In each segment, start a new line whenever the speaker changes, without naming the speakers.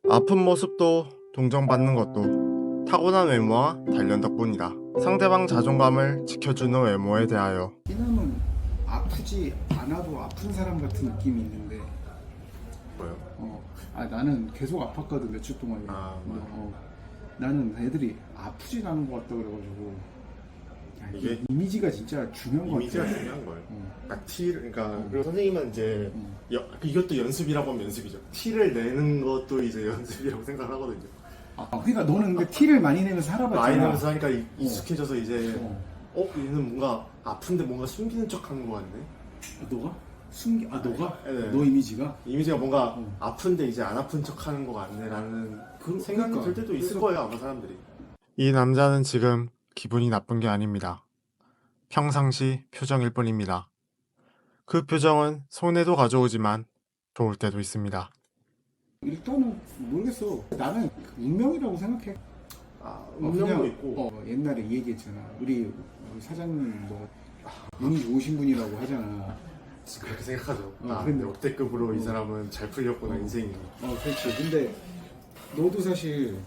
아픈 모습도 동정받는 것도 타고난 외모와 단련 덕분이다. 상대방 자존감을 지켜주는 외모에 대하여.
이남은 아프지 않아도 아픈 사람 같은 느낌이 있는데
뭐요?
나는 계속 아팠거든 며칠 동안. 나는 애들이 아프진 않은 것 같다 그래가지고
이게
이미지가 진짜 중요한 것
이미지가
같아.
중요한 거예요. 그러니까 그리고 선생님은 이제 이것도 연습이라고 하면 연습이죠. 티를 내는 것도 이제 연습이라고 생각하거든요.
그러니까 너는 근데 티를 많이 내면서 살아봤잖아.
많이 내면서 하니까 익숙해져서 이제 얘는 뭔가 아픈데 뭔가 숨기는 척하는 거 같네.
너가? 너가?
네.
너 이미지가?
이미지가 뭔가 아픈데 이제 안 아픈 척하는 거 같네라는 생각이
그러니까.
들 때도 있을 거예요, 아마 사람들이. 이 남자는 지금 기분이 나쁜 게 아닙니다. 평상시 표정일 뿐입니다. 그 표정은 손해도 가져오지만 좋을 때도 있습니다.
일단은 모르겠어. 나는 운명이라고 생각해.
운명도 있고.
옛날에 이 얘기했잖아. 우리 사장님 뭐 운이 좋으신 분이라고 하잖아.
그렇게 생각하죠.
근데
역대급으로 이 사람은 잘 풀렸구나, 인생이.
그렇지. 근데 너도 사실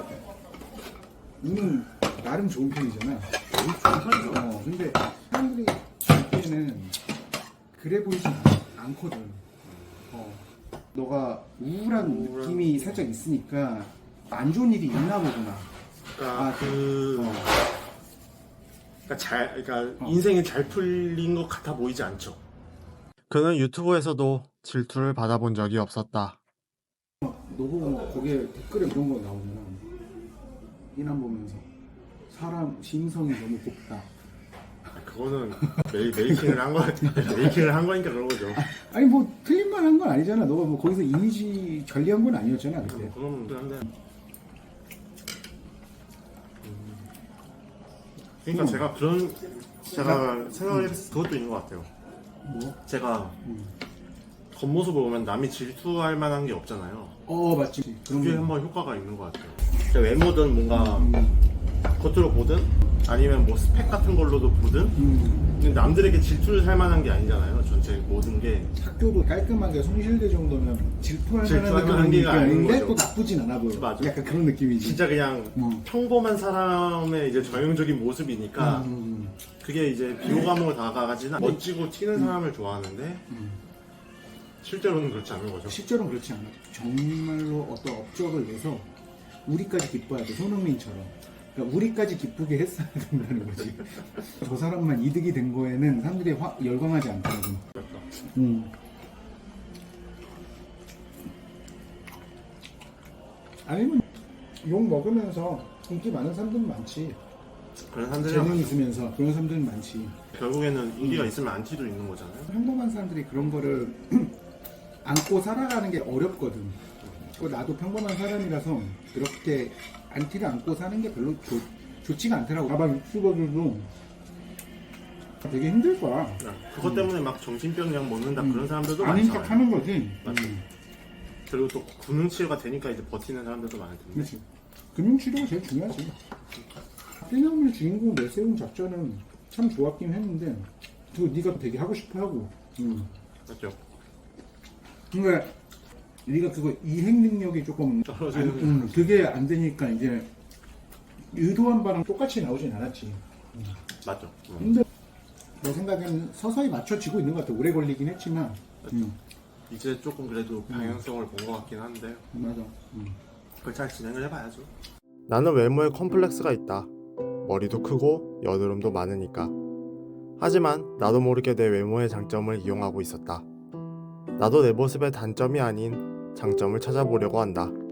운은 나름 좋은 편이잖아.
좋은 편이죠.
근데 사람들이 보기에는 그래 보이지 않거든. 너가 우울한 느낌이 살짝 있으니까 안 좋은 일이 있나 보구나.
그러니까 인생이 잘 풀린 것 같아 보이지 않죠. 그는 유튜브에서도 질투를 받아본 적이 없었다.
너 보고 거기에 댓글에 이런 거 나오면 이남 보면서 사람 심성이 너무 곱다.
그거는 메이킹을 한 거, 메이킹을 한 거니까 그런 거죠.
아니 뭐 틀린 말 한 건 아니잖아. 너가 뭐 거기서 이미지 관리한 건 아니었잖아 그때.
그건 한데. 그러니까 제가 생각을 했을 그것도 있는 것 같아요.
뭐?
제가 겉모습을 보면 남이 질투할 만한 게 없잖아요.
맞지.
그게 한번 효과가 있는 것 같아요. 외모든 뭔가 겉으로 보든 아니면 뭐 스펙 같은 걸로도 보든 근데 남들에게 질투를 살 만한 게 아니잖아요. 전체 모든 게.
학교도 깔끔하게 송실대 정도면 질투할
질투할
만한
만한
게
게 아닌
아닌데
거죠.
또 나쁘진 않아 보여.
맞아.
약간 그런 느낌이지.
진짜 그냥 평범한 사람의 이제 전형적인 모습이니까 그게 이제 비호감으로 다가가지는 멋지고 튀는 사람을 좋아하는데 실제로는 그렇지 않은 거죠.
실제로는 그렇지 않아. 정말로 어떤 업적을 내서 우리까지 기뻐야 돼. 손흥민처럼. 그러니까 우리까지 기쁘게 했어야 된다는 거지. 저 사람만 이득이 된 거에는 사람들이 열광하지 않더라고. 아니면 욕 먹으면서 인기 많은 사람들은 많지.
그런 사람들이
재능 있으면서 그런 사람들은 많지.
결국에는 인기가 있으면 안티도 있는 거잖아요.
평범한 사람들이 그런 거를 안고 살아가는 게 어렵거든. 나도 평범한 사람이라서 그렇게 안티를 안고 사는 게 별로 좋지가 않더라고. 가방 유튜버들도 되게 힘들 거야.
그것 때문에 막 정신병약 먹는다 그런 사람들도
아닌
많잖아요.
척 하는 거지.
맞죠. 그리고 또 금융치료가 되니까 이제 버티는 사람들도 많을 텐데.
그렇지. 금융치료가 제일 중요하지. 떼나물 주인공 내세운 작전은 참 좋았긴 했는데 그거 네가 되게 하고 싶어 하고.
맞죠.
그러니까 네가 그거 이행 능력이 조금
떨어지는.
그게 안 되니까 이제 의도한 바랑 똑같이 나오진 않았지.
맞죠.
근데 내 생각에는 서서히 맞춰지고 있는 것 같아. 오래 걸리긴 했지만.
이제 조금 그래도 방향성을 본 것 같긴 한데.
맞아.
그걸 잘 진행을 해봐야죠. 나는 외모에 컴플렉스가 있다. 머리도 크고 여드름도 많으니까. 하지만 나도 모르게 내 외모의 장점을 이용하고 있었다. 나도 내 모습의 단점이 아닌 장점을 찾아보려고 한다.